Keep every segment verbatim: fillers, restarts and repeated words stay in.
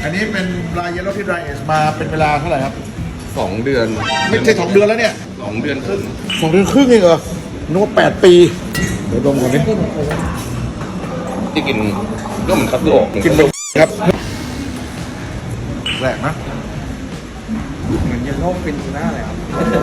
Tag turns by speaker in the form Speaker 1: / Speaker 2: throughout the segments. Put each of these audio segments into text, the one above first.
Speaker 1: อันนี้เป็นปลาเยลโล่ที่ dry age มาเป็นเวลาเท่าไหร่ครับ
Speaker 2: สองเดือน
Speaker 1: ไม่ใช่สองเดือนแล้วเนี่ย
Speaker 2: สองเดือนครึ่ง
Speaker 1: สองเดือนครึ่งเองเหรอนึกว่าแปดปีเดี๋ยวดมก่อนดิ
Speaker 2: ที่กินก็เหมือนคัตสึโอะ
Speaker 1: กินแบบครับแปลกนะ
Speaker 3: เหมือนเยลโล่เป็นทูน่าเลยครับ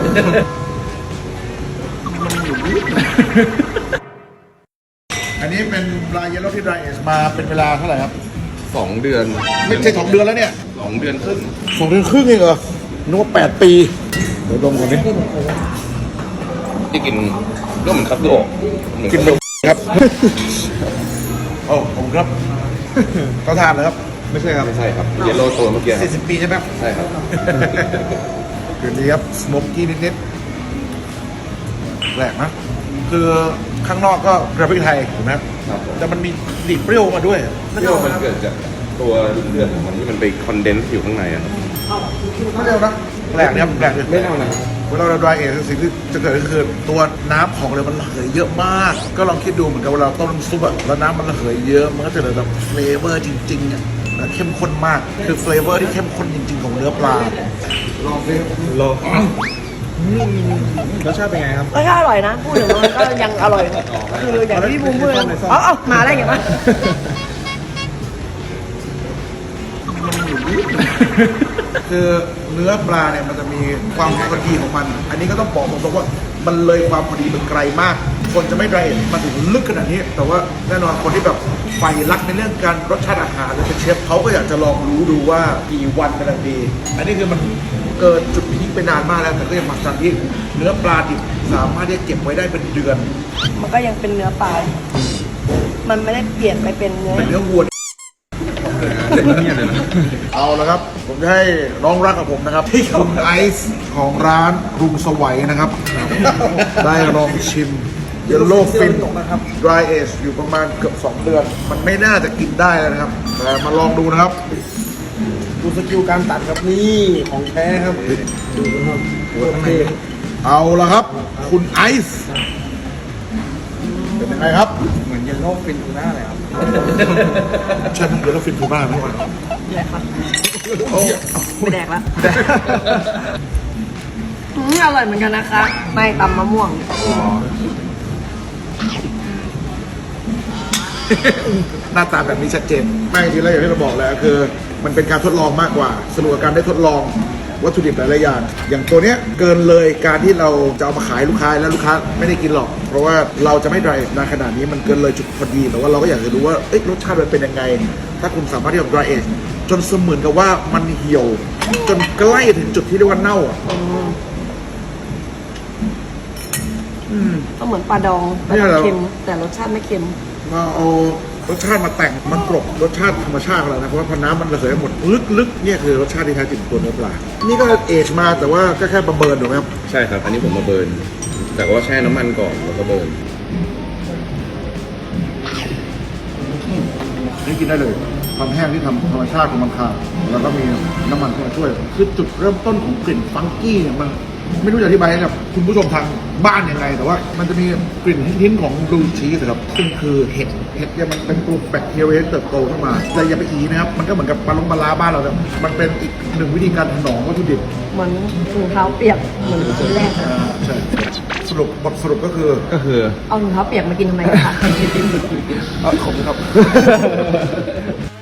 Speaker 1: อันนี้เป็นปลาเยลโล่ที่ dry age มาเป็นเวลาเท่าไหร่ครับ
Speaker 2: สองเดือน
Speaker 1: ไม่ใช่สองเดือนแล้วเนี่ย
Speaker 2: สองเดือนครึ่ง
Speaker 1: สองเดือนครึ่งเองเหรอนึกว่าแปดปีเดี๋ยวดมก่อนดิ
Speaker 2: ที่กินก็เหมือนคัตสึโอะเหมือน
Speaker 1: กินแบบครับโอ้ผมครับเขาทานเลยครับไม่ใช่ครับ
Speaker 2: ไม่ใช่ครับเยลโล่ตัวเมื่อกี้ครั
Speaker 1: สี่
Speaker 2: บ
Speaker 1: สิบปีใช่ไหม
Speaker 2: ใช่ครับ
Speaker 1: คืนนี้ครับสโมกกี้นิดๆแปลกนะคือข้างนอกก็กระพริกไทยถูกไหมครับ
Speaker 2: ครับผม
Speaker 1: แต่มันมีดิบเปรี้ยวมาด้วย
Speaker 2: เปรี้ยวมันเกิดจากตัวเลือดของมันที่มันไปคอนเดนซ์อยู่ข้างในอะครับ
Speaker 1: ไม่เร็วนะแปลกเนี่ยแปลกเลย
Speaker 2: ไม่เอานะ
Speaker 1: เวลาเรา dry age สิ่งที่จะเกิดก็คือตัวน้ำของเรามันระเหยเยอะมาก ก็ลองคิดดูเหมือนกับเวลาเราต้มน้ำซุปอะแล้วน้ำมันระเหยเยอะมันก็จะเหลือแบบเฟลเวอร์จริงๆอะและเข้มข้นมากคือเฟลเวอร์ที่เข้มข้นจริงๆของเนื้อปลาลองสิ
Speaker 3: โลรสชาติเป็นไงครับ
Speaker 4: รสชาติอร่อยนะ พูดถึงมันก็ยังอร่อยคืออย่างที่พี่บูมพูดเลยเอ๋อามาได้ไงวะ
Speaker 1: คือเนื้อปลาเนี่ยมันจะมีความพอดีของมัน อันนี้ก็ต้องบอกตรงๆว่ามันเลยความพอดีมันไกลมาก คนจะไม่ไดรเอทมาถึงลึกขนาดนี้ แต่ว่าแน่นอนคนที่แบบใฝ่รักในเรื่องการรสชาติอาหารหรือเป็นเชฟเขาก็อยากจะลองรู้ดูว่ากี่วันกำลังดี อันนี้คือมันเกินจุดพีคไปนานมากแล้วแต่ก็ยังมาสันที่เนื้อปลาดิบสามารถที่จะเก็บไว้ได้เป็นเดือน
Speaker 4: มันก็ยังเป็นเนื้อปลา มันไม่ได้เปลี่ยนไปเป็นเนื้อ
Speaker 1: เป็นเนื้อวัว เอาละครับ ผมจะให้น้องรักกับผมนะครับคุณไอซ์ของร้านรุงสวัยนะครับ ได้ลองชิมเยลโล่ฟิน dry age อยู่ประมาณเกือบสองเดือน มันไม่น่าจะกินได้แล้วนะครับ แต่มาลองดูนะครับ
Speaker 3: ดูสกิลการตัดครับนี่ของแท้ครับ ดูนะครับโอเค
Speaker 1: เอาละครับ คุณไอซ์เป็นยังไงครับ
Speaker 3: เหมือนเยลโล่เป็นทูน่าเลยครับ
Speaker 1: ใช่ไหมเยลโล่ฟินทูน่าไหม
Speaker 4: แดกครับไม่แดกละอืมอร่อยเหมือนกันนะคะ ไม่ตำมะม่วง
Speaker 1: หน้าตาแบบนี้ชัดเจนไม่จริงๆแล้วอย่างที่เราบอกแล้วคือ มันเป็นการทดลองมากกว่าสนุกกับการได้ทดลองวัตถุดิบหลายๆอย่างอย่างตัวเนี้ยเกินเลยการที่เราจะเอามาขายลูกค้าแล้วลูกค้าไม่ได้กินหรอก เพราะว่าเราจะไม่ไดรนานขนาดนี้มันเกินเลยจุดพอดีแต่ว่าเราก็อยากจะรู้ว่าเอ๊ะรสชาติมันเป็นยังไง ถ้าคุณสามารถที่จะ dry age จนเสมือนกับว่ามันเหี่ยว จนใกล้ถึงจุดที่เรียกว่าเน่าอ่ะ
Speaker 4: ก็เหมือนปลาดองปลาดองเค็ม แต่รสชาติไม่เค็ม
Speaker 1: มาเอารสชาติมาแต่งมันกลบรสชาติธรรมชาติของเรานะเพราะว่าพอน้ำมันระเหยหมดลึกๆเนี่ยคือรสชาติที่แท้จริงของตัวเนื้อปลา นี่ก็เอจมาแต่ว่าก็แค่ประเบิร์นถูกไหมครับ
Speaker 2: ใช่ครับ อันนี้ผมมาเบิร์นแต่ว่าแช่น้ำมันก่อนแล้วก็เบิร์น
Speaker 1: นี่กินได้เลยความแห้งที่ทำธรรมชาติของมันค่ะแล้วก็มีน้ำมันเข้ามาช่วยคือจุดเริ่มต้นของกลิ่นฟังกี้เนี่ยมันไม่รู้จะอธิบายให้กับคุณผู้ชมทางบ้านยังไงแต่ว่ามันจะมีกลิ่นทิ้นๆของบลูชีสครับซึ่งคือเห็ดเห็ดเนี่ยมันเป็นตัวแบคทีเรียที่เติบโตขึ้นมาแต่อย่าไปอีนะครับมันก็เหมือนกับปลาลงปลาร้าบ้านเราเนี่ยมันเป็นอีกหนึ่งวิธีการถนอมวัตถุดิบ
Speaker 4: เหมือนถุงเท้าเปียกเหมือนชิ้นแรกอะ
Speaker 1: อ่าใช่สรุปบทสรุปก็คือ
Speaker 2: ก็คือ
Speaker 4: เอาถุงเท้าเปียกมากินทำไมคะ
Speaker 1: เอ่อขอบคุณครับ